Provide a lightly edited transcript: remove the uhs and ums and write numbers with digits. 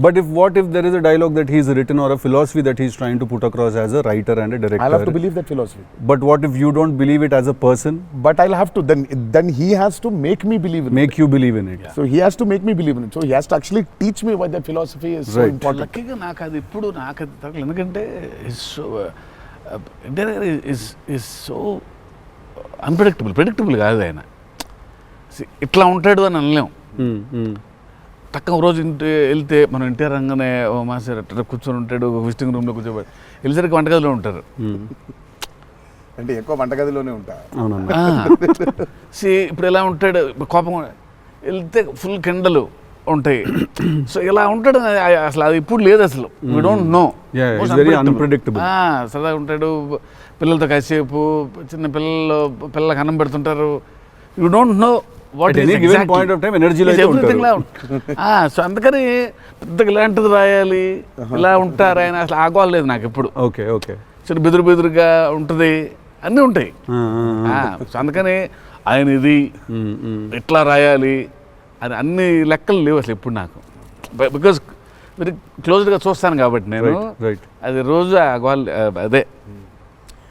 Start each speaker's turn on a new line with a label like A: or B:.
A: But what if there is a dialogue that he's written or a philosophy that he's trying to put across as a writer and a director?
B: I'll have to believe that philosophy.
A: But what if you don't believe it as a person?
B: But I'll have to, then he has to make me believe in
A: Make you believe in it.
B: it. So he has to make me believe in it. So he has to actually teach me why that philosophy is so
A: Right.
B: important.
C: లక్కీగా నాకు అది ఇప్పుడు నాకు అది తగ్గలేదు ఎందుకంటే is so predictable కాదు ఆయన. ఇట్లా ఉంటాడు అని అనలేం. తక్కువ రోజు వెళ్తే మనం ఎన్టీఆర్ రంగానే ఓ మాస్టర్ అట్లా కూర్చొని ఉంటాడు, విజిటింగ్ రూమ్లో కూర్చోబెట్టి వెళ్ళేసరికి వంటగదిలో ఉంటారు.
B: అంటే ఎక్కువ వంటగదిలోనే ఉంటా.
C: ఇప్పుడు ఎలా ఉంటాడు, కోపం వెళ్తే ఫుల్ కెండలు ఉంటాయి. సో ఇలా ఉంటాడు అసలు, అది ఇప్పుడు లేదు అసలు. We don't know. సరదాగా ఉంటాడు, పిల్లలతో కాసేపు, చిన్న పిల్లలకు అన్నం పెడుతుంటారు. You don't know what so అందుకని పెద్దగా ఇలాంటిది రాయాలి, ఇలా ఉంటారు ఆయన అసలు ఆగోలేదు నాకు ఎప్పుడు.
A: ఓకే ఓకే
C: చిన్న బెదురుగా ఉంటుంది, అన్నీ ఉంటాయి. సో అందుకని ఆయన ఇది ఎట్లా రాయాలి అని అన్ని లెక్కలు లేవు అసలు ఇప్పుడు నాకు. బికాజ్ వెరీ క్లోజ్గా చూస్తాను కాబట్టి నేను, అది రోజు అదే